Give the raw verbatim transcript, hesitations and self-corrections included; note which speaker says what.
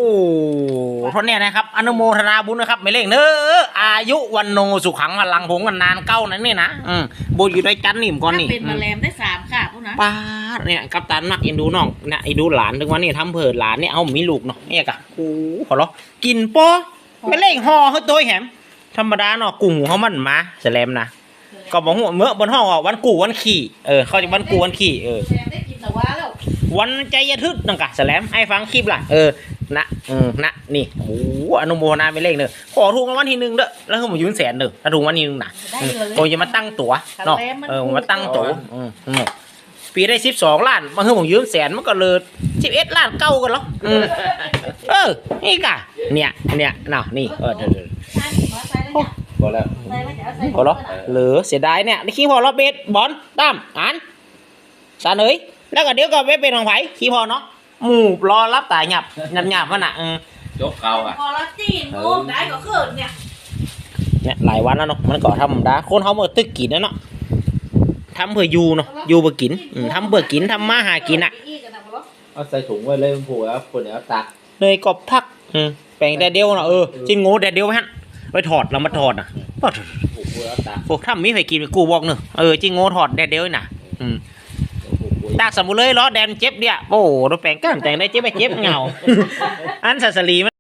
Speaker 1: ท่านเนี่ยนะครับอนุโมทนาบุญนะครับไม่เล่งเนออายุวันโนสุขังพลังผงกันนานเก้านั่นนี่นะอืมบุญอยู่ด้วยกันนี่มก่อนนี่
Speaker 2: เป็นมาแรมได้สามค่ะพวกนะ
Speaker 1: ป้าเนี่ยกัปตันนักเอ็นดูน้องเนี่ยไอ้ดูหลานถึงวันนี้ทำเผิดหลานเนี่ยเอามีลูกเนาะเนี่ยกะโอ้ขอร้องกินปอไม่เล่งห่อเฮ้ยตัวแหมธรรมดาเนาะกุ้งเขามันมาแสลมนะก็บอกหัวเมื่อบนห้องอ่ะวันกูวันขี่เออเขาจะวันกูวันขี่เออ
Speaker 2: ได้กินแต่ว่าแล้ว
Speaker 1: วันใจยทึกนังกะแสลมให้ฟังคลิปล่ะเออนะเออนะนี่โอ้อนุโมทนาไปเลขเนอะขอถูกรางวัลที่หนึ่งเด้อแล้วคือผมยืนแสนเด้อถ้าถูกรางวัลที่หนึ่งนะโอ้ยจะมาตั้งตั๋วเนาะเออมาตั้งตั๋วอืมปีได้สิบสองล้านมาคือผมยืมแสนมันก็เลยสิบเอ็ดล้านเก้ากันแล้วอืมเออนี่กะเนี่ยเนี่ยเนาะนี่เออเดี๋ยว
Speaker 3: พอแล้ว
Speaker 1: พอแล้วเหลือเสียดายเนี่ยนี่ขี้พอเราเบสบอลตั้มอ่านสารเอ้ยแล้วก็เดี๋ยวก็ไม่เป็นของไผ่ขี้พอเนาะหมูรอรับตายหยับหยับหยับมันอ่ะ
Speaker 3: ยกเกาอ่ะ
Speaker 2: พอละจีนโอ้ได้ก็เขินเนี่ย
Speaker 1: เนี่ยหลายวันแล้วเนาะมันก็ทำได้คนเขาเมื่อตึกกินแล้วเนาะทำเพื่ออยู่เนาะอยู่เพื่อกินทำเพื่อกินทำมาหากินอ่ะ
Speaker 3: เอาใส่ถุงไว้เลยมันผูกแล้วคนเดี๋ยวตัก
Speaker 1: เลยกบพักแปลงแดดเดียวเนาะเออจิ้งโง่แดดเดียวไหมฮะไปถอดแล้วมาถอดอ่ะพวกถ้ามีใครกินกูบอกเนอะเออจิ้งโง่ถอดแดดเดียวน่ะอืมตาสมุเลยล้อแดนเจ็บเดียโอ้โหแปลงก้ามแต่งได้เจ็บไปเจ็บเงาอันสัสลี